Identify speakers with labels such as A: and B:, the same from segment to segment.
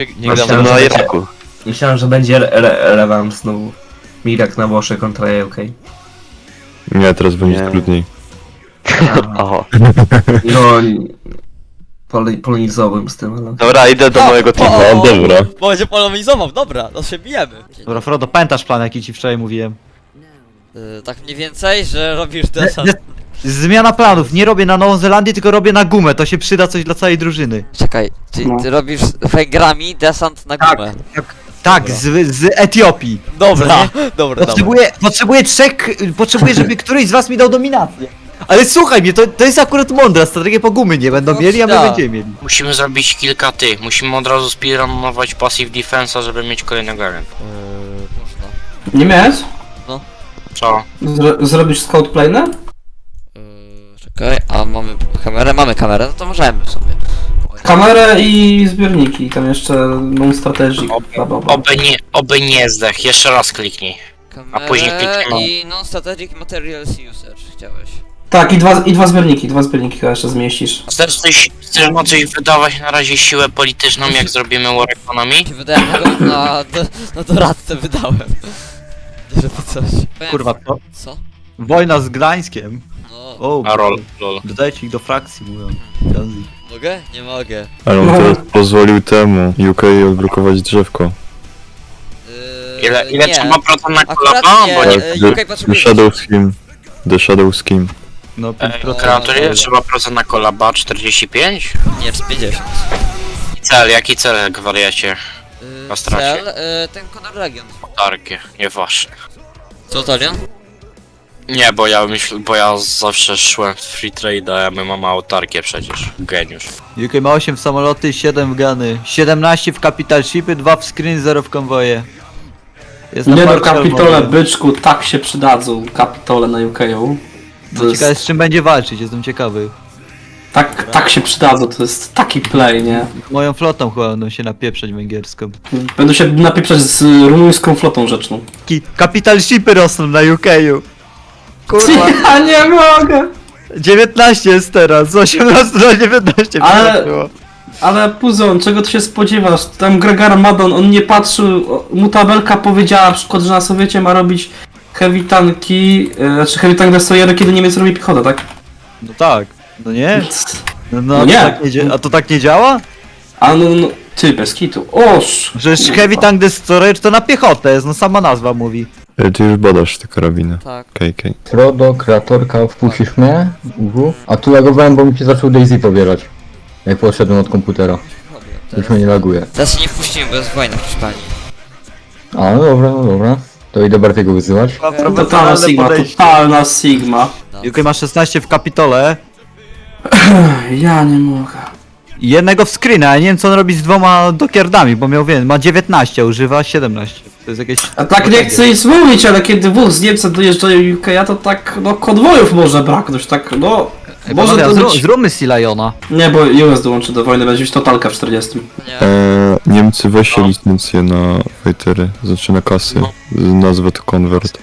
A: Nie
B: Myślałem,
A: gramy
B: że
A: na
B: będzie-
A: Iraku.
B: Myślałem, że będzie rewam znowu. Mirak na Włoszech kontra UK.
C: Nie, teraz będzie
A: Nie.
C: trudniej.
A: Oho.
B: No, polonizowałem z tym, ale...
A: Dobra, idę do mojego teamu.
C: No dobra.
D: Bo będzie polemizował, dobra, to się bijemy.
E: Dobra, Frodo, pamiętasz plan, jaki ci wczoraj mówiłem?
D: Tak mniej więcej, że robisz desant.
E: Zmiana planów, nie robię na Nową Zelandię, tylko robię na gumę, to się przyda coś dla całej drużyny.
D: Czekaj, ty robisz Węgrami desant na
E: Tak.
D: gumę.
E: Tak, z Etiopii.
D: Dobra, dobra.
E: Potrzebuję, żeby któryś z was mi dał dominację. Ale słuchaj mnie, to jest akurat mądra strategia, po gumy nie będą
D: No
E: mieli, a my
D: tak.
E: będziemy mieli.
F: Musimy zrobić kilka tych. Musimy od razu speedrunować passive defensa, żeby mieć kolejnego agenta.
D: Można.
G: Nie miałeś?
F: Co?
G: Zrobisz scout planer?
D: Czekaj, a mamy kamerę? Mamy kamerę, no to możemy sobie.
G: Kamerę i zbiorniki, tam jeszcze non-strategic, bla bla bla.
F: Oby nie zdech. Jeszcze raz kliknij.
D: Kamerę
F: później klikniemy.
D: i non-static materials usage chciałeś.
G: Tak, i dwa zbiorniki chyba jeszcze zmieścisz.
F: Chcesz na coś wydawać na razie siłę polityczną, jak zrobimy War Economy?
D: Ci wydałem tego na doradcę wydałem. Żeby coś.
E: Kurwa, to
D: Co?
E: wojna z Gdańskiem.
D: No,
E: O,
F: A lol.
E: dodajcie ich do frakcji, mówią. Ganzi.
D: mogę? Nie mogę.
C: Ale on teraz pozwolił temu UK odblokować drzewko.
F: Ile
D: nie.
F: trzeba procent na
D: Akurat
F: kolapa?
D: nie.
F: Bo nie...
D: UK
C: The
D: potrzebuje...
C: Shadow Scheme. The Shadow Scheme.
E: No, 5%.
F: Kreator, ile trzeba procent na kolaba? 45?
D: Nie, 50.
F: Jaki cel, gwariacie? Na stracie.
D: Cel, ten Conor Legion.
F: Tarkie, nie wasze.
D: Co to, Leon?
F: Nie, bo ja zawsze szłem w free trade, a my mamy autarkię przecież. Geniusz.
E: UK ma 8 w samoloty, 7 w gany, 17 w capital shipy, 2 w screen, 0 w konwoje. Jest na
G: Nie no,
E: parcie
G: kapitole,
E: armory.
G: byczku, tak się przydadzą, kapitole na UK-u.
E: No, ciekawe z czym będzie walczyć, jestem ciekawy.
G: Tak się przydadzą, to jest taki play, nie?
E: Moją flotą chyba będą się napieprzać węgierską.
G: Będą się napieprzać z rumuńską flotą rzeczną.
E: Capital shipy rosną na UK-u. Kurwa,
G: Ja nie mogę!
E: 19 jest teraz, z 18 do 19
G: Ale-
E: przeskoczyło.
G: Ale Puzon, czego ty się spodziewasz? Tam Gregar Madon, on nie patrzył, mu tabelka powiedziała na przykład, że na Sowiecie ma robić heavy tanki, znaczy heavy tank destroyery, kiedy Niemiec robi piechotę, tak?
E: No tak, no nie?
G: No
E: to
G: nie.
E: Tak a to tak nie działa?
G: A no, ty, bez kitu, oż!
E: Przecież Heavy Tank Destroyer to na piechotę jest, no sama nazwa mówi.
C: Ty już badasz te karabiny.
D: Tak.
C: KK.
H: Frodo, kreatorka, wpuścisz mnie? A tu lagowałem, bo mi się zaczął Daisy pobierać. Jak poszedłem od komputera. Już mnie nie laguje.
D: Teraz się nie wpuścimy, bo jest wojna w Hiszpanii.
H: A, no dobra. To idę Bartiego wyzywać.
G: Totalna Sigma, totalna Sigma.
E: UK ma 16 w kapitole
G: Ja nie mogę.
E: i jednego w screena, ja nie wiem co on robi z 2 dokierdami, bo miał ma 19, a używa 17. To jest jakieś...
G: A tak nie chcę nic mówić, ale kiedy wóz z Niemca dojeżdżają UK, to tak, no konwojów może braknąć, tak, no... Może to być...
E: Zróbmy Silajona.
G: Nie, bo US dołączy do wojny, będzie już totalka w 40.
D: Nie.
C: Niemcy weźcie licencję na fightery, znaczy na kasy. Nazwę to Convert.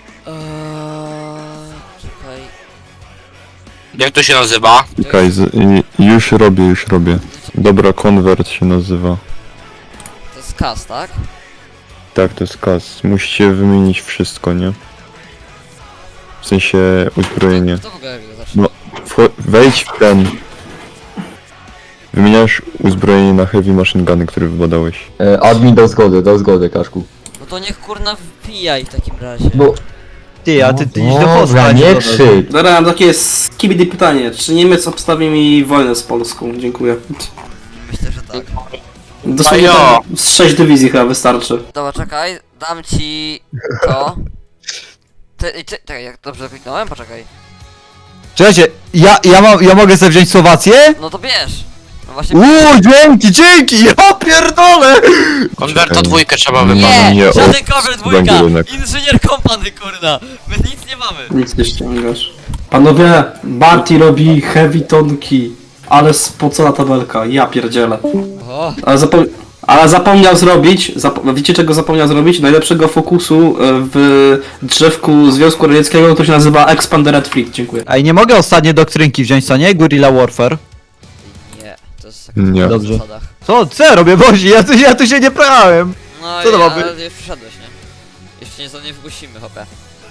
D: Czekaj.
F: Jak to się nazywa?
C: Czekaj, już robię. Dobra, Convert się nazywa.
D: To jest kas, tak?
C: Tak, to jest kas. Musicie wymienić wszystko, nie? W sensie uzbrojenie.
D: To w ogóle jak go zacznie.
C: No, wejdź w ten. Wymieniasz uzbrojenie na heavy machine guny, które wybadałeś.
H: Admin dał zgodę, Kaszku.
D: No to niech kurna wbijaj w takim razie.
H: No,
E: Ty, a ty idź do
H: dobra,
E: Polski.
H: nie krzycz.
G: Dobra, mam takie skibidi pytanie. Czy Niemiec obstawi mi wojnę z Polską? Dziękuję.
D: Myślę, że tak.
G: Dosłownie
F: Ajo.
G: tam z 6 dywizji chyba wystarczy.
D: Dobra, czekaj, dam ci to. Czekaj, jak dobrze kliknąłem? Poczekaj.
E: Czekajcie, ja mogę sobie wziąć Słowację?
D: No to bierz! No właśnie.
E: Dzięki! Ja pierdolę!
F: Konwerta dwójkę trzeba
C: Nie.
F: wybrać.
D: Nie!
C: Nie,
D: Żaden cover dwójka!
C: węgielek.
D: Inżynier kompany, kurna! My nic nie mamy!
G: Nic nie ściągasz. Panowie, Barty robi heavy tonki. Ale spocona tabelka, ja pierdzielę.
D: O,
G: Ale zapomniał zrobić, wiecie czego zapomniał zrobić? Najlepszego fokusu w drzewku Związku Radzieckiego, to się nazywa Expandered Fleet, dziękuję.
E: A i nie mogę ostatnie doktrynki wziąć, co nie? Guerrilla Warfare.
D: nie, to jest
C: Nie.
E: Dobrze.
D: zasadach.
E: Co ja robię, Bozi? Ja tu się nie prałem.
D: No
E: Co to
D: i
E: ma być?
D: ale już przyszedłeś, nie? Jeszcze nie wpuścimy, hopę.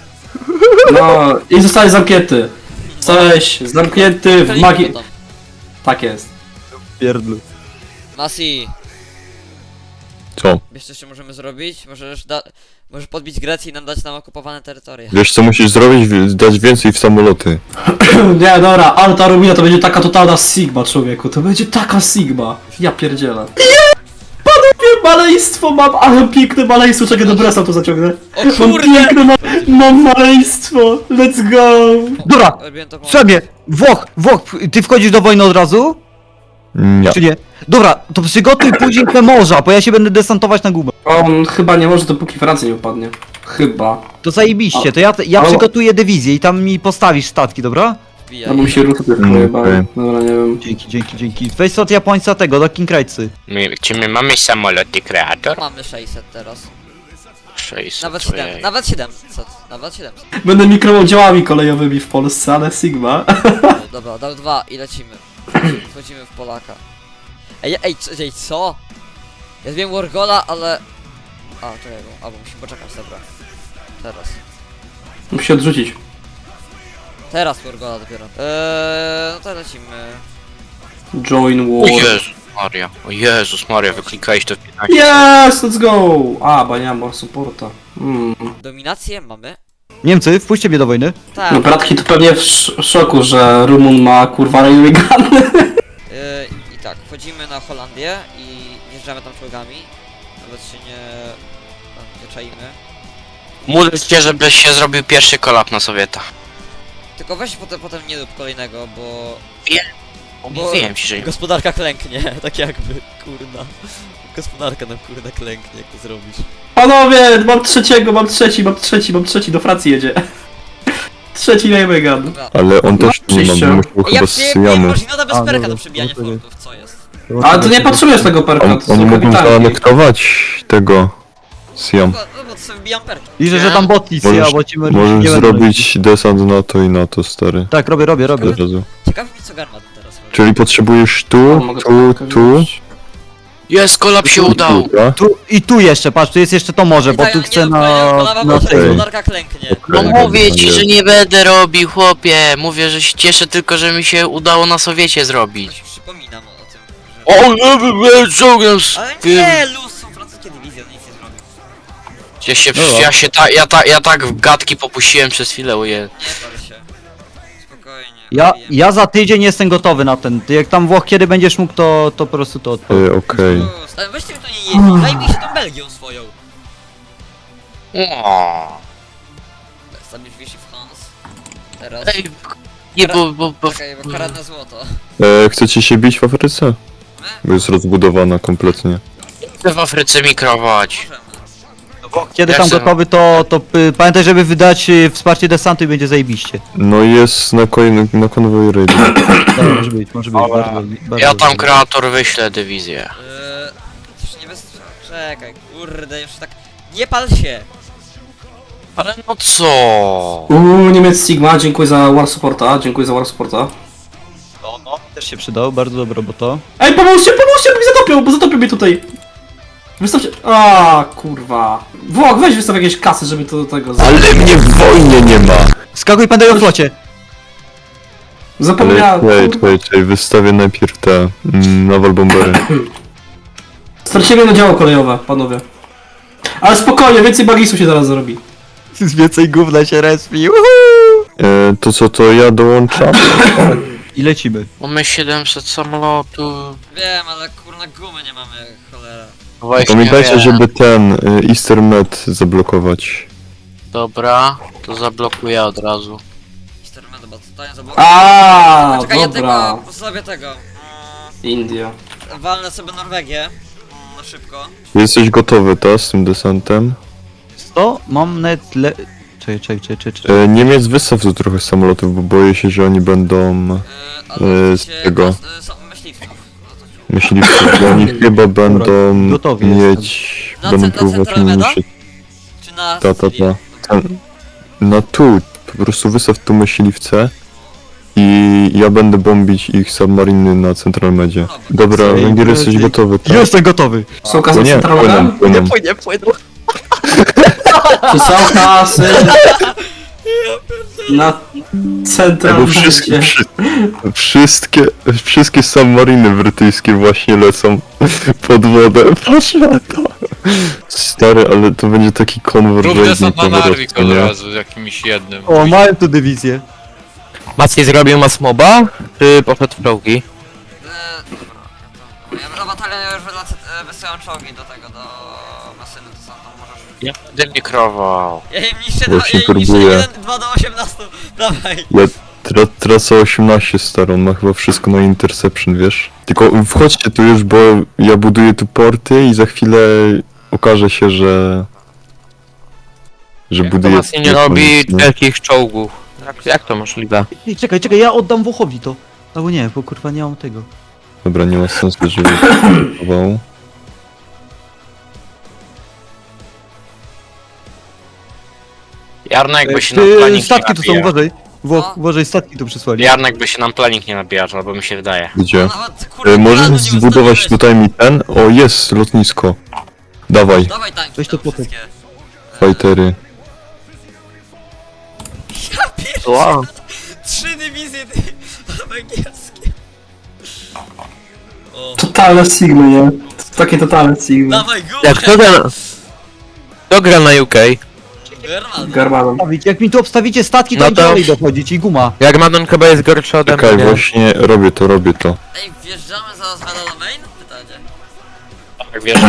G: No i zostałeś zamknięty. Zostałeś zamknięty w magii... Tak jest.
E: Pierdlu.
D: Masi,
C: Co?
D: wiesz co jeszcze możemy zrobić? Możesz podbić Grecję i nam dać nam okupowane terytoria.
C: Wiesz co musisz zrobić? Dać więcej w samoloty.
G: Nie, dobra, ale ta Rumina to będzie taka totalna Sigma, człowieku. To będzie taka Sigma. Ja pierdzielę. Panowie, maleństwo mam, ale piękne maleństwo. Czekaj, do bresa to zaciągnę.
D: O
G: Mam
D: kurde!
G: piękne mam maleństwo. Let's go.
E: Dobra,
D: Robiłem to po...
E: Sobie! Włoch, ty wchodzisz do wojny od razu?
C: Nie.
E: Czy nie? Dobra, to przygotuj później te morza, bo ja się będę desantować na gumę.
G: On chyba nie może, dopóki Francja nie upadnie. Chyba.
E: To zajebiście, to ja
G: O.
E: przygotuję dywizję i tam mi postawisz statki, dobra?
D: Wbijaj.
G: Albo mi się ruchy tylko
C: Okej.
G: pojebały. Dobra, nie wiem.
E: Dzięki. Weź od Japońca tego, do Kinkrajcy.
F: Czy my mamy samoloty kreator?
D: Mamy 600 teraz.
F: 600.
D: Nawet 7,
F: ojej.
D: nawet 700, nawet 700.
G: Będę mikrodziałami kolejowymi w Polsce, ale Sigma.
D: Dobra, dał 2 i lecimy. Wchodzimy w Polaka. Ej, co? Ja wiem Wargola, ale... A, czekaj, albo musimy poczekać, dobra. Teraz.
G: Musi się odrzucić.
D: Teraz Wargola dopiero. No to lecimy.
G: Join
F: O
G: war.
F: Jezus Maria, o Jezus Maria, wyklikałeś to w 15.
G: Yes, let's go! A, bo nie mam more supporta.
D: Dominację mamy.
E: Niemcy, wpuśćcie mnie do wojny.
D: Tak.
G: No bratki to pewnie w szoku, że Rumun ma kurwa railway gun.
D: I tak, wchodzimy na Holandię i jeżdżamy tam czołgami. Nawet się nie czaimy.
F: Módl się, żebyś się zrobił pierwszy kolap na Sowieta.
D: Tylko weź potem nie rób kolejnego, bo...
F: Mówiłem ci, że nie.
D: Gospodarka klęknie, tak jakby, kurna. Gospodarka nam kurna klęknie, jak to zrobisz.
G: Panowie, mam trzeciego, mam trzeci, do Francji jedzie. Trzeci railway gun.
D: Dobra.
C: Ale on też nie ma,
G: przyjście.
C: bo musiał chyba
D: Jak
C: z
D: nie
C: Syjamu.
D: można bez
E: A,
D: perka
E: dobra,
D: do przebijania
E: dobra.
D: fortów, co jest?
G: Ale to nie potrzebujesz tego perka, to
C: Oni
G: są
C: mogą
G: kapitalni.
C: zaanektować tego Syjam.
D: No bo to sobie wbijam perki.
E: Liczę, że tam botnicy,
C: Możesz-
E: bo ci nie
C: Możesz
E: będą-
C: zrobić desant na to i na to, stary.
E: Tak, robię.
C: Od razu.
D: Ciekawi mnie co Garmat teraz robi.
C: Czyli potrzebujesz
G: O,
C: tu,
G: mogę
C: tu,
G: to
C: tu,
G: wziąć.
F: Jest, kolap się udał.
C: tak?
E: Tu i tu jeszcze, patrz, tu jest jeszcze to morze, bo
D: Tak,
E: tu
D: nie
E: chcę
D: rób kolejnego kolawa, bo
E: na
D: to
C: tej-
D: gospodarka klęknie.
F: No
C: Okej,
F: mówię ci,
C: jest.
F: że nie będę robił, chłopie. Mówię, że się cieszę tylko, że mi się udało na Sowiecie zrobić.
D: Coś przypominam o tym, że...
F: O, czołgiem
D: Ale nie, luz, są francuskie dywizje, on nic nie zrobił.
F: Ja tak w gadki popuściłem przez chwilę, uje.
D: Nie pal się. Spokojnie.
E: Ja,
D: wbijemy.
E: ja za tydzień jestem gotowy na ten. Ty jak tam Włoch kiedy będziesz mógł, to po prostu to odpal.
C: Okej.
D: Luz, ale weźcie mi to nie jeździ, zajmij się tą Belgią swoją.
F: O.
D: Stawisz Vichy France. Teraz.
F: Ej, nie, bo
D: Czekaj, bo karadne złoto.
C: Chcecie się bić w Afryce? Bo jest rozbudowana kompletnie.
F: chcę w Afryce mikrować.
D: Możemy.
E: Kiedy
F: Ja
E: tam
F: chcę-
E: gotowy, to pamiętaj, żeby wydać wsparcie desantu i będzie zajebiście.
C: No i jest na konwoju raid.
E: Tak, może być, bardzo.
F: Ja tam kreator wyślę dywizję.
D: Już nie bez... Czekaj, kurde, już tak... Nie pal się!
F: Ale no co?
G: Niemiec Sigma, dziękuję za war supporta,
E: No, też się przydał, bardzo dobra, bo to.
G: Ej, pomóżcie, bo mi zatopią mnie tutaj. Wystawcie... A, kurwa. Włoch, weź wystaw jakieś kasy, żeby to do tego...
C: Ale mnie w wojnie nie ma!
E: Skakuj, pamiętaj o flocie!
G: Zapomniałem.
C: Ale
G: kurwa.
C: czekaj, wystawię najpierw te naval bombery.
G: Straciłem jedno działo kolejowe, panowie. Ale spokojnie, więcej bagisu się zaraz zrobi.
E: Z więcej gówna się respi,
C: To co, to ja dołączam?
E: I lecimy.
F: Mamy 700 samolotów.
D: Wiem, ale kurna gumy nie mamy, cholera.
F: Właśnie
C: Pamiętajcie,
F: wiem.
C: żeby ten Easter Med zablokować.
F: Dobra, to zablokuję od razu.
D: Mister bo totalnie zablokuję.
G: A,
D: Czekaj, ja
G: dobra.
D: tego, sobie tego.
G: India.
D: Walnę sobie Norwegię. Na szybko.
C: Jesteś gotowy, ta, z tym desantem?
E: To mam net Czekaj.
C: Niemiec wystaw tu trochę samolotów, bo boję się, że oni będą
D: Ale
C: z tego.
D: Są myśliwców.
C: myśliwcy, bo oni chyba będą
E: gotowi
C: mieć,
D: Na
C: będą
D: na
C: próbować
D: Centralmeda?
C: niszczyć.
D: Czy na
C: Ta.
D: Sycilię?
C: Na tu, po prostu wystaw tu myśliwce i ja będę bombić ich submariny na Central Medzie. Dobra, Węgier, jesteś gotowy, tak?
E: Jestem gotowy!
G: Są
C: O
G: kasy
C: nie,
G: centralne?
C: płyną.
G: Czy są kasy? Na
C: Bo
G: centralne.
C: wszystkie submariny brytyjskie właśnie lecą pod wodę. Patrz na to. Stary, ale to będzie taki
I: Rób
C: konwergencji
I: desant na Narvik od
C: nie?
I: razu, jakimś jednym.
E: O, mają tu dywizję.
A: Maciej zrobił masmoba, czy poszedł w czołgi?
D: Ja na batalion już wysyłam czołgi do tego, do masyny, to są tam możesz...
F: Ja będę mikrował.
D: Ja im niszczę,
C: Właśnie
D: ja im niszczę
C: próbuję.
D: 2 do 18, dawaj!
C: Ja tracę 18 starą, ma chyba wszystko na interception, wiesz? Tylko wchodźcie tu już, bo ja buduję tu porty i za chwilę okaże się, że
A: Jak to
C: buduję...
A: Maciej nie robi wielkich czołgów? Jak to możliwe?
E: Ej, czekaj, ja oddam Włochowi to. Albo nie, bo kurwa nie mam tego.
C: Dobra, nie ma sensu, żeby próbował.
F: Jarnek by się nam planik nie
E: Statki tu są,
F: nabijał.
E: uważaj.
D: No.
E: Uważaj, statki tu przysłali.
F: Jarnek by się nam planik nie nabijał, albo mi się wydaje.
C: Gdzie?
D: Nawet, kurde, planu
C: Możesz
D: nie
C: zbudować
D: ustawiłeś.
C: tutaj mi ten? O, jest lotnisko. Dawaj,
D: Dawaj tanki
E: Weź to
D: tam
E: potem.
D: wszystkie.
C: fightery.
D: Ja pierdolę,
A: Wow.
D: 3 dywizje ty, węgierskie. O,
G: Totalne sigmy, nie? Takie totalne sigmy.
D: dawaj gumę!
A: Jak kto gra na UK?
D: German.
G: Garbaną.
E: Jak mi tu obstawicie statki, to
A: No
E: no
A: to-
E: dalej dochodzić i guma.
A: Jarmadon chyba jest gorszy ode mnie,
C: Czekaj,
A: nie?
C: właśnie robię to.
D: Ej, wjeżdżamy zaraz na main? Pytanie.
F: Tak wiesz,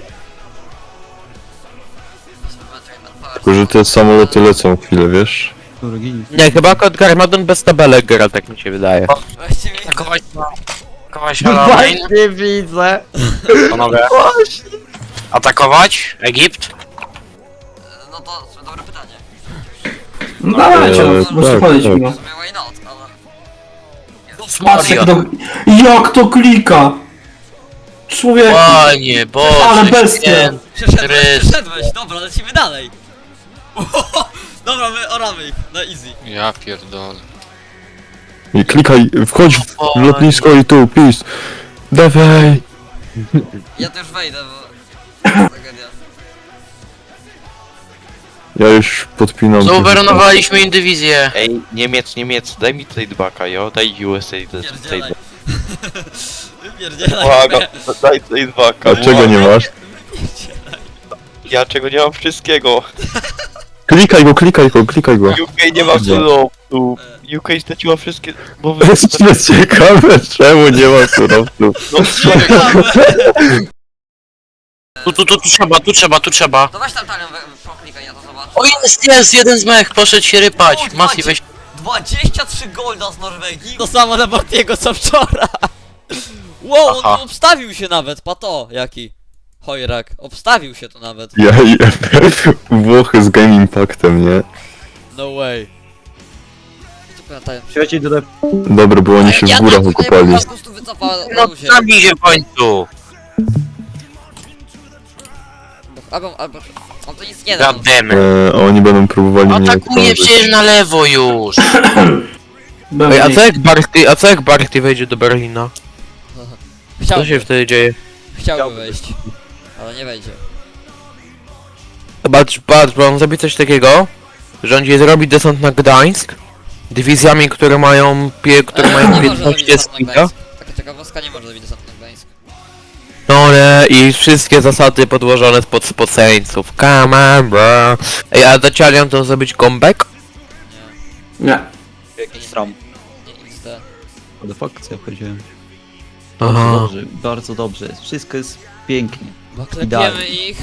C: Tylko, że te samoloty lecą chwilę, wiesz?
A: Nie, chyba kod Garmadon bez tabelek gra, tak mi się wydaje.
D: Właściwie
F: atakować na main,
E: widzę.
F: panowie. Atakować Egipt?
D: no to dobre pytanie.
G: No dawajcie,
C: tak,
G: możecie podejść
C: tak.
G: mi, no.
D: W sumie why not, ale...
G: Patrz jak to klika! Człowiek,
F: Panie Boże,
G: ale bestia!
D: Przeszedłeś, dobra, lecimy dalej. Dobra, my oramy ich, na easy.
I: Ja pierdolę.
C: I klikaj, wchodź w lotnisko i tu, peace. Dawaj!
D: Ja też wejdę, bo... Tragedia.
C: Ja już podpinam.
F: Zauberonowaliśmy im dywizję.
J: Ej, Niemiec, daj mi tradebacka, jo? Daj USA
D: Pierdzielaj.
J: trade.
D: Wypierdzielaj.
J: Błagam, daj tradebacka.
C: A czego nie masz?
J: Ja czego nie mam wszystkiego.
C: Klikaj go.
J: UK nie ma
C: Dobra.
J: surowców. UK straciła wszystkie... Bo wy...
C: Jest ciekawe, czemu nie ma surowców.
J: No,
F: Tu trzeba.
D: To weź tam talion, proklikaj, ja to zobaczę.
F: O jest, jeden z mech, poszedł się rypać.
D: O,
F: Mati, weź.
D: 23 golda z Norwegii. To samo na Bartiego co wczoraj. Wow, on
F: Aha.
D: tu obstawił się nawet, pato, jaki. Chojrak, obstawił się tu nawet.
C: Włochy z Game Impactem, nie?
D: No way. Co pamiętają?
E: Trzeci do
C: Dobra, bo oni się w górach okopali.
D: Po prostu wycofała na
F: No
D: luzie.
F: zabij się w końcu.
D: Albo... On to nic nie da.
F: Gademy.
C: A oni będą próbowali mnie
F: Atakuje
C: okrążyć.
F: przecież na lewo już.
A: Ej, a co jak Barty wejdzie do Berlina? Co się
D: Chciałby,
A: wtedy dzieje?
D: chciałby wejść. Ale nie wejdzie.
A: Patrz, bo on zrobi coś takiego, że on zrobi desant na Gdańsk dywizjami, które mają
D: Nie
A: 15
D: może zrobić desant na
A: stika.
D: Gdańsk. Taka ciekawostka, nie może zrobić desant na Gdańsk.
A: No nie, i wszystkie zasady podłożone spod spoceńców. Come on, bro. Ej, a Dacialian to zrobić comeback?
G: Nie.
E: Jakiś stram.
D: Nie XD.
E: What the fuck, co ja powiedziałem?
A: Aha.
E: Bardzo dobrze. Wszystko jest pięknie.
D: Bo klepiemy
E: Idealnie.
D: ich,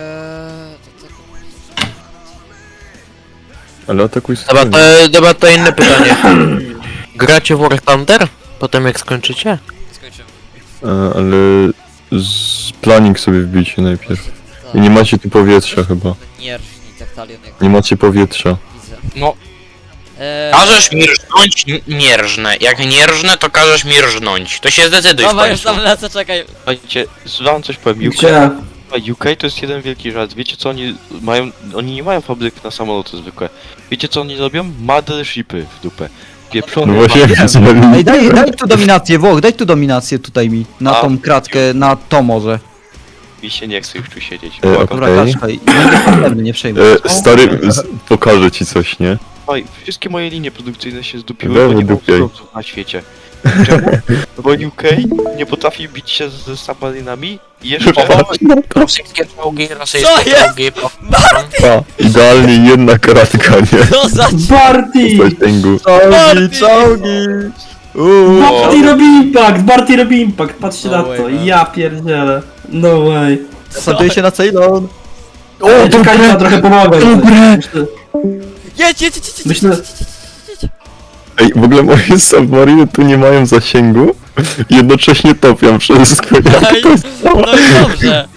C: Ale atakuj
A: Dobra, to inne pytanie. Gracie w War Thunder? Potem jak skończycie?
D: skończymy.
C: Ale planning sobie wbijcie najpierw.
D: Tak.
C: I nie macie tu powietrza chyba.
D: Nie rżnij tak talion jak
C: Nie macie powietrza.
D: widzę.
F: No.
D: Eee,
F: Każesz mi rżnąć? Nie rżnę. Jak nie rżnę, to każesz mi rżnąć. To się zdecyduj w
D: Dobra, już
F: końcu.
D: tam lecę, czekaj.
J: Słuchajcie, wam coś powiem.
G: Gdzie?
J: UK to jest jeden wielki żart. Wiecie co oni mają? Oni nie mają fabryk na samoloty zwykłe. Wiecie co oni robią? Mothershipy w dupę. Pieprzony.
C: No właśnie widzieli.
E: Ej, daj tu dominację, Włoch, daj tu dominację tutaj mi. Na tą kratkę, na to może.
J: Mi się nie chce już tu siedzieć.
C: E,
J: Błagam.
E: Dobra,
C: Okej.
E: Kaszkaj, nie problemy, nie przejmuj.
C: Stary, pokażę ci coś, nie?
J: Oj, wszystkie moje linie produkcyjne się zdupiły,
C: Lewo
J: bo nie ma
C: dupiej.
J: surowców na świecie. Czemu? Bo UK nie potrafi bić się ze submarinami i jeszcze...
F: Rosyjskie czołgi,
D: Co
F: rosyjskie
D: jest?
F: czołgi.
C: A, idealnie jedna kratka, nie?
D: Co za
G: Barty!
C: Zasięgu.
E: Czołgi!
G: Barty robi impact! Barty robi impact! Patrzcie
D: No
G: na
D: way,
G: to,
D: man.
G: ja pierdzielę. No way.
E: Zasaduję się na Ceylon.
G: O, czekaj, ja trochę pomogę. Myślę,
D: Jedź!
G: Myślę-
C: Ej, w ogóle moje submariny tu nie mają zasięgu. Jednocześnie topią wszystko.
D: Ej,
C: Jak to jest?
D: no i dobrze.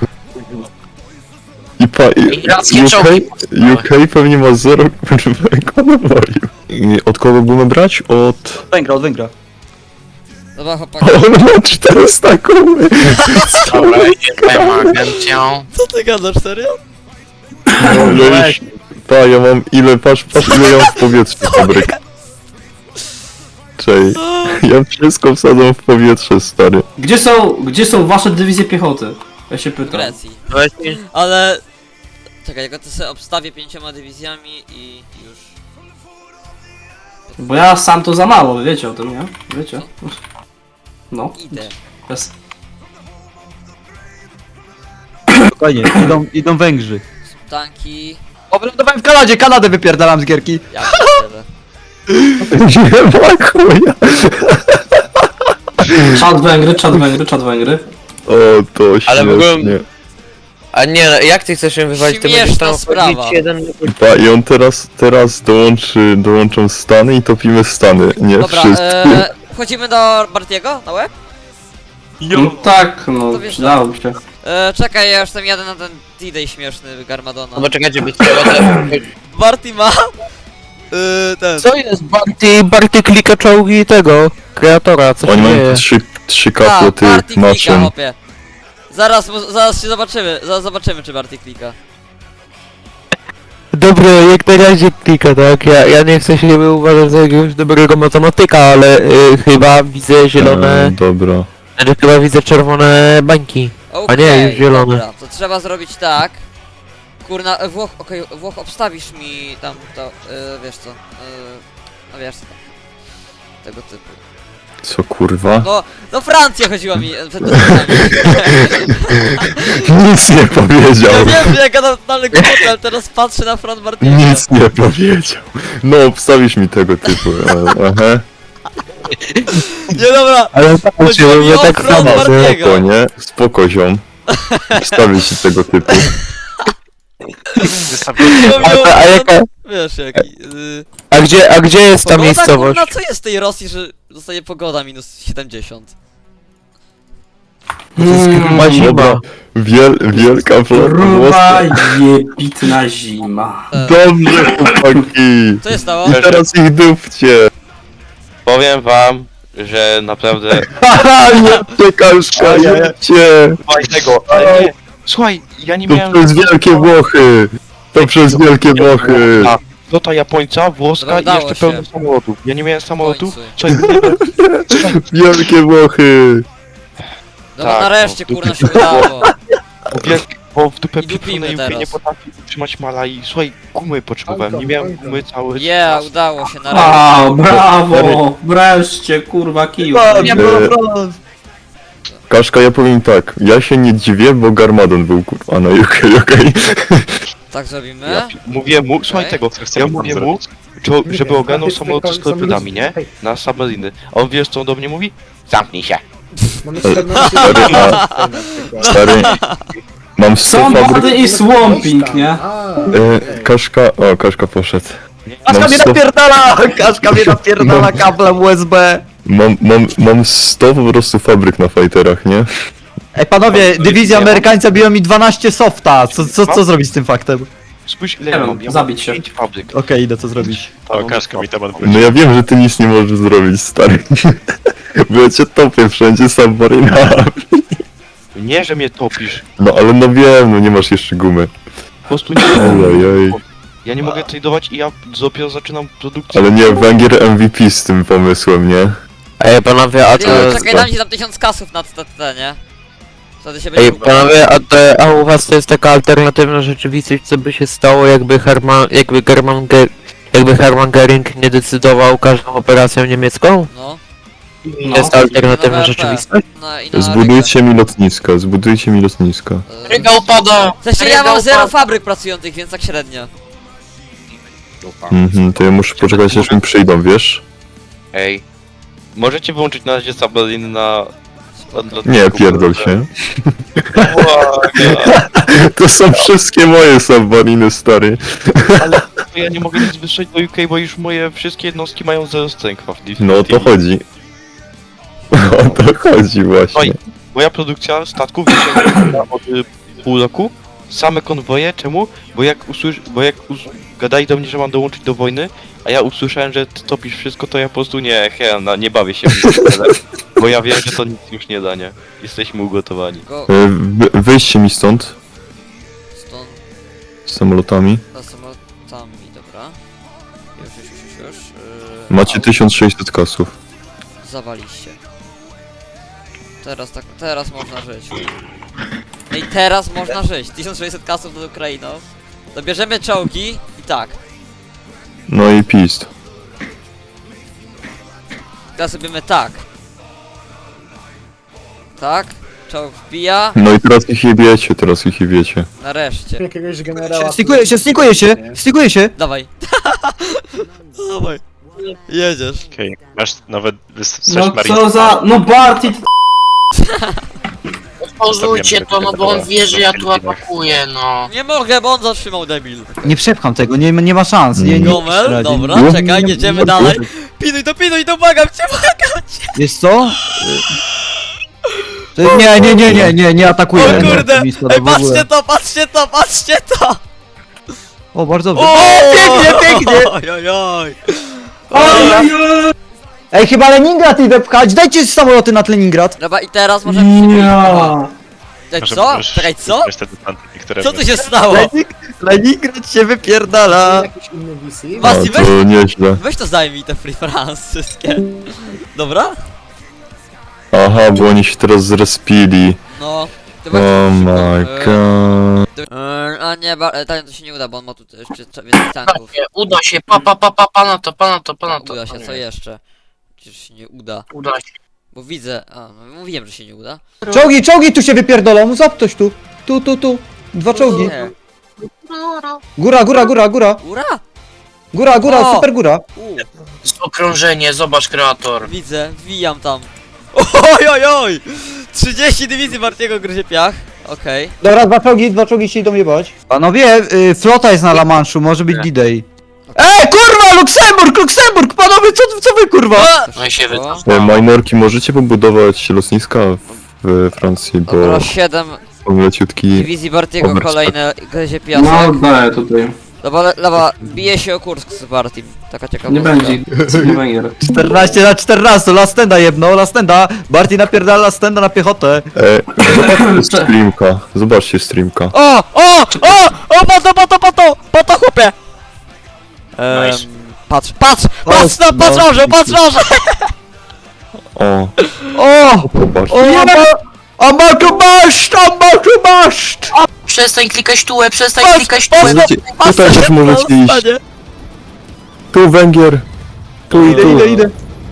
C: I
F: Irackie czołgi.
C: UK pewnie ma 0 ekonomii. I od kogo będziemy brać? Od...
E: Od Węgra.
D: Dobra, chłopaki,
C: O, on ma 400 koły!
F: Dobra, jestem agencją.
D: co ty gadasz, serio?
C: Pa, ja mam ile, patrz ile ja mam w powietrzu fabryk. Czej, ja wszystko wsadzam w powietrze, stary.
G: Gdzie są wasze dywizje piechoty? Ja się
D: W
G: pytam.
D: Grecji. Ale... Czekaj, ja to sobie obstawię 5 dywizjami i już.
G: Bo ja sam to za mało, wiecie o tym, nie? Wiecie? No.
D: Idę.
G: Jest.
E: Spokojnie, idą Węgrzy.
D: Tanki...
E: Obrądowałem w Kanadzie, Kanadę wypierdalam z gierki.
D: Ja pierdzielę.
C: Nie ma chuja.
G: Czad Węgry.
C: O, to
A: Ale w ogóle-
C: śmiesznie.
A: A nie, no, jak ty chcesz ją wywalić, to będziesz
D: Śmieszna
A: tam
D: sprawa.
A: wchodzić jeden...
C: Pa, i on teraz dołączą Stany i topimy Stany, nie?
D: Dobra,
C: Wszystkie.
D: wchodzimy do Bartiego na łeb?
G: No tak, no,
D: To wiesz,
G: przydałoby się.
D: Czekaj, ja już tam jadę na ten D-Day śmieszny Garmadona.
A: No bo czekajcie, by trzeba...
D: Barty ma... ten...
A: Co jest Barty klika czołgi tego kreatora, co
C: Oni
A: się
C: mają
A: dzieje?
C: trzy kaple tych
D: Barty klika,
C: maszyn.
D: hopie. Zaraz się zobaczymy, zaraz zobaczymy czy Barty klika.
A: Dobra, jak na razie klika, tak? Ja nie chcę się uważać za jakiegoś dobrego matematyka, ale chyba widzę zielone...
C: Dobra.
A: Znaczy chyba widzę czerwone bańki.
D: Okej,
A: nie, już zielone.
D: Dobra, to trzeba zrobić tak. Kurna, Włoch, obstawisz mi tam to, wiesz co, no wiesz co tam. Tego typu.
C: Co kurwa?
D: No Francja chodziła mi przed tym.
C: Nic nie powiedział.
D: Ja wiem, że ja gadam totalny głupot, ale teraz patrzę na front Bartiego.
C: Nic nie powiedział. No, obstawisz mi tego typu. Aha.
D: Nie dobra,
A: Ale
D: Chodzi mi o
A: tak
D: front
A: samo,
D: Bartiego.
C: Spoko, nie? Spoko, ziom. Wstawię ci tego typu.
A: A jaka...
D: wiesz jaki.
A: A gdzie jest ta
D: Pogoda,
A: miejscowość?
D: kurna, co jest w tej Rosji, że zostaje pogoda minus 70?
A: Ma zima.
C: Dobra. Wielka flota
G: Ruba
C: włoska.
G: jebitna zima.
C: Dobrze, chłopaki.
D: Co się stało?
C: I teraz ich dupcie.
J: Powiem wam, że naprawdę...
C: Haha, nie czekaszka, jedźcie.
J: Słuchaj tego, ale nie. Słuchaj, ja nie
C: To
J: miałem...
C: przez Wielkie Włochy. To przez Wielkie Włochy.
J: A, flota Japońca, włoska i
D: Udało
J: jeszcze
D: się.
J: pełno samolotów. Ja nie miałem samolotów.
D: końcu.
J: Słuchaj,
C: Wielkie Włochy.
D: No
J: Tak,
D: nareszcie
J: no,
D: kurna się udało.
J: bo w dupę
D: I dupimy
J: pieprzone UK
D: teraz.
J: nie potrafi utrzymać mala i słuchaj, gumy potrzebowałem, nie miałem gumy cały
D: Yeah, udało się nareszcie.
G: Wow, brawo! Wreszcie, kurwa, kiju.
C: Kaszka, ja powiem tak. Ja się nie dziwię, bo Garmadon był kurwa na UK, okej?
D: Tak zrobimy?
J: Ja mówię mu, słuchaj
D: Okej.
J: tego, ja mówię mu, żeby ogarnął samoloty z torpedami, nie? Na submariny. A on wiesz co on do mnie mówi? Zamknij się.
C: Stary, mam 100
G: Somebody
C: fabryk.
G: is swamping, nie?
C: Kaszka, o, Kaszka poszedł.
E: Kaszka
C: Mam
E: mnie
C: 100,
E: napierdala! Kaszka mnie napierdala kablem USB!
C: mam 100 po prostu fabryk na fighterach, nie?
E: Ej panowie, dywizja amerykańca biła mi 12 softa. Co zrobić z tym faktem?
J: Spójrz ile
G: Nie
J: ja
G: wiem,
J: mam, ja mam
G: zabić się.
J: 5 fabryk.
E: Okej, idę co zrobić.
J: O, Kaszka mi temat
C: No ja wiem, że ty nic nie możesz zrobić, stary. Bo ja cię topię wszędzie submarinami.
J: Nie, że mnie topisz.
C: No ale no wiem, no nie masz jeszcze gumy.
J: Po prostu nie
C: Ojej.
J: Ja nie mogę tradować i ja dopiero zaczynam produkcję.
C: Ale nie, Węgier MVP z tym pomysłem, nie?
A: Ej, panowie, a to...
D: Czekaj, dam ci tam 1000 kasów na TT, nie? Wtedy się
A: Ej,
D: będzie
A: panowie, a u was to jest taka alternatywna rzeczywistość, co by się stało, jakby Hermann Göring nie decydował każdą operacją niemiecką?
D: No.
A: To jest alternatywna
D: No,
A: rzeczywistość?
D: I na
C: Zbudujcie mi lotnisko, zbudujcie mi lotnisko.
F: Ryga upada!
D: W sensie ja mam 0 fabryk pracujących, więc tak średnio.
C: Mhm, to ja muszę poczekać aż mi przyjdą, wiesz?
J: Ej. Możecie wyłączyć na razie submariny na...
C: Nie, pierdol się. To są wszystkie moje submariny, stary.
J: Ale ja nie mogę nic wysłać do UK, bo już moje wszystkie jednostki mają 0 strength.
C: No o to chodzi. O to chodzi właśnie.
J: Oj, moja produkcja statków wyciągnięta od pół roku. Same konwoje, czemu? Gadali do mnie, że mam dołączyć do wojny, a ja usłyszałem, że ty topisz wszystko, to ja po prostu nie bawię się w tym, bo ja wiem, że to nic już nie da, nie? Jesteśmy ugotowani.
D: Go
C: Wyjście mi stąd,
D: stąd
C: z samolotami.
D: za samolotami, dobra. Już.
C: Macie 1600 kasów.
D: Zawaliście. Teraz można żyć. No i teraz można żyć. 1600 kasów nad Ukrainą. Dobierzemy czołgi i tak.
C: No i pist.
D: Teraz robimy tak. Tak. Czołg wbija.
C: No i teraz ich jebiecie,
D: Nareszcie.
E: Jakiegoś generała. Stykuje się! Dawaj. Dawaj. Jedziesz.
I: Okej, masz nawet
G: No co za... No Barty,
F: Pauzujcie to, no bo on wie, że ja tu atakuję, no.
D: Nie mogę, bo on zatrzymał debil.
E: Nie przepcham tego, nie ma szans. Nie
D: Gomel, dobra, czekaj, jedziemy dalej. Pinuj to, błagam cię.
E: Wiesz co? Nie atakuję.
D: O kurde! Ej,
E: w ogóle.
D: patrzcie to!
E: O, bardzo dobrze.
D: O, pięknie! Ojojoj!
E: Ej, chyba Leningrad idę pchać, dajcie samoloty nad Leningrad.
D: Dobra, i teraz możemy się...
G: ja.
D: Ej, co? Czekaj, co? Co tu się stało?
E: Leningrad się wypierdala.
C: No
D: Basti, weź,
C: to nieźle.
D: weź to zajmij te Free France wszystkie. Dobra?
C: Aha, bo oni się teraz zrespili.
D: No. To
C: Oh my god.
D: A nie, to się nie uda, bo on ma tu jeszcze więcej tanków.
F: Uda się, pana to.
D: Uda się, co jeszcze? Przecież się nie uda.
F: Uda się.
D: Bo widzę... A, no mówiłem, że się nie uda.
E: Czołgi tu się wypierdolą, zap coś tu. Tu. 2 czołgi.
D: Nie.
E: Góra.
D: Ura?
E: Góra,
D: O!
E: super góra.
F: Okrążenie, zobacz kreator.
D: Widzę, wbijam tam. Oj! 30 dywizji Bartiego gryzie piach. Okej.
E: Dobra, 2 czołgi się idą jebać. Panowie, flota jest na La Manche'u, może być D-Day. Kurwa, Luksemburg, panowie, co wy kurwa?
F: No i się
C: Minorki, możecie pobudować lotniska w Francji, bo
D: Dobra, 7
C: są leciutki...
D: dywizji Bartiego,
C: Oberst.
D: kolejne gryzie
G: No
D: piasek.
G: daję tutaj.
D: Dobra, bije się o Kursk z Bartim. Taka ciekawostka.
G: Nie będzie. Nie będzie.
E: 14/14, Lastenda jebno, Lastenda. Barty napierdala Lastenda na piechotę.
C: Zobaczcie streamka.
D: Po to chłopie!
F: Nice.
D: Patrz orzeł!
C: O, zobaczcie.
E: Amakubaszt!
F: Przestań klikać tułę,
C: Tutaj też możecie iść. Tu Węgier. Tu i tu.
E: Idę.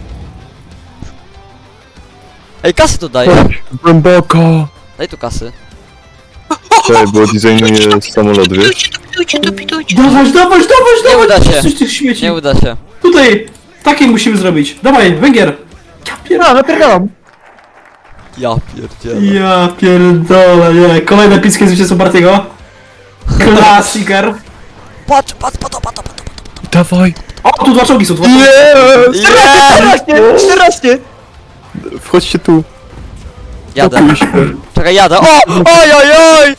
D: Ej, kasy tu daj.
C: Głęboko.
D: Daj tu kasy.
C: Czekaj, bo designuję samolot, wiesz?
F: Pitujcie.
G: Dawać!
D: Nie uda się.
G: Coś tych śmieci.
D: Nie uda się.
G: Tutaj! Takie musimy zrobić. Dawaj, Węgier!
E: Napierdalam.
D: Ja pierdzielę.
G: Ja pierdolę, nie. Kolejne epickie zwycięstwo Bartiego. Klasiker.
D: Patrz, po to.
C: Dawaj.
G: O, tu 2 czołgi są, 2 czołgi.
E: 14!
C: Wchodźcie tu.
D: Jadę.
C: Pokój się.
D: Czekaj, jadę. Ojojoj!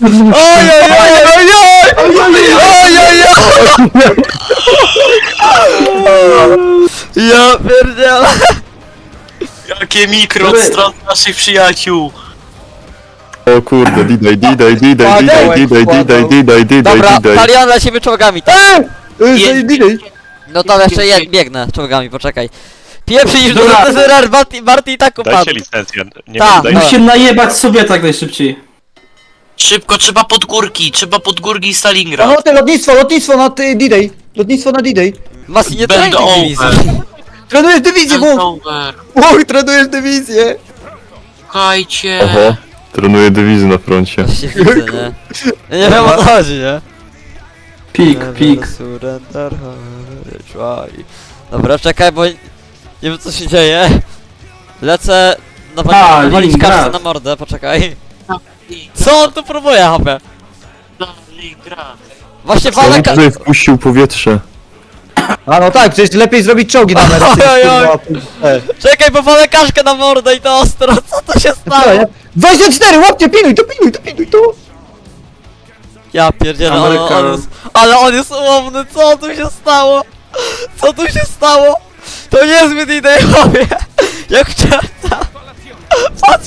D: Ja pierdzielę.
F: Jakie mikro od stron naszych przyjaciół.
C: O kurde, D-Day.
D: Dobra, Talion lecimy czołgami, tak?
E: D-Day.
D: No to jeszcze biegnę czołgami, poczekaj. Pieprzysz do
G: Dobra.
D: TZR, Marty i tak upadł.
I: licencję. Nie
D: Ta,
I: wiem,
G: Musimy najebać sobie tak najszybciej.
F: Szybko, trzeba pod górki i Stalingrad.
E: No te lotnictwo na D-Day. Lotnictwo na D-Day.
D: Masi, nie
F: Będę
D: trenuj dywizji.
E: Trenujesz dywizję,
F: Będę
E: bo...
F: over.
E: Oj, trenujesz dywizję.
F: Słuchajcie.
C: Oho, trenuję dywizy na froncie.
D: Właśnie widzę, nie? Ja nie wiem o co chodzi, nie?
G: Pik.
D: Surrender, try. Dobra, czekaj, bo nie wiem co się dzieje. Lecę nawalić
G: Stalingrad.
D: kartę na mordę, poczekaj. Co on tu próbuje, hopie?
F: Stalingrad.
D: Właśnie
C: On
D: walę
C: tutaj wpuścił powietrze.
E: A no tak, przecież lepiej zrobić czołgi na Mercy.
D: Oj, oj.
E: kurwa.
D: Czekaj, bo walę kaszkę na mordę i to ostro, co to się stało?
E: 24, łapcie, pinuj to.
D: Ja pierdzielę,
G: Ameryka.
D: ale on jest ułomny, co tu się stało? Co tu się stało? To niezbyt idealnie. Jak chciałem. Patrz.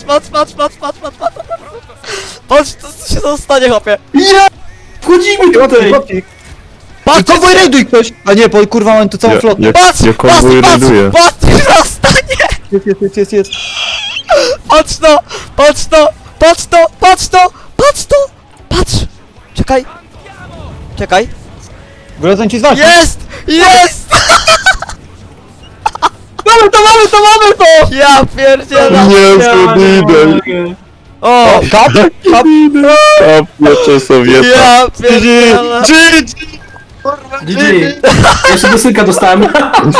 D: Patrz, co się stanie, chłopie.
G: Wchodzimy tutaj!
E: Patrz, konwoj rejduj ktoś! A nie, bo kurwa mam tu całą
C: Ja-
E: flotę.
C: jak-
D: Patrz,
C: ja konwoj rajduję.
D: patrz, co stanie.
E: Jest.
D: Patrz to. Czekaj.
E: Wracam ci z walki.
D: Jest!
E: Mamy to!
D: Ja pierdzielę.
C: Nie, D-Day.
D: O,
E: Kap?
C: Kapnie Sowieta.
D: ja pierdzielę.
G: GG! Jeszcze do synka dostałem.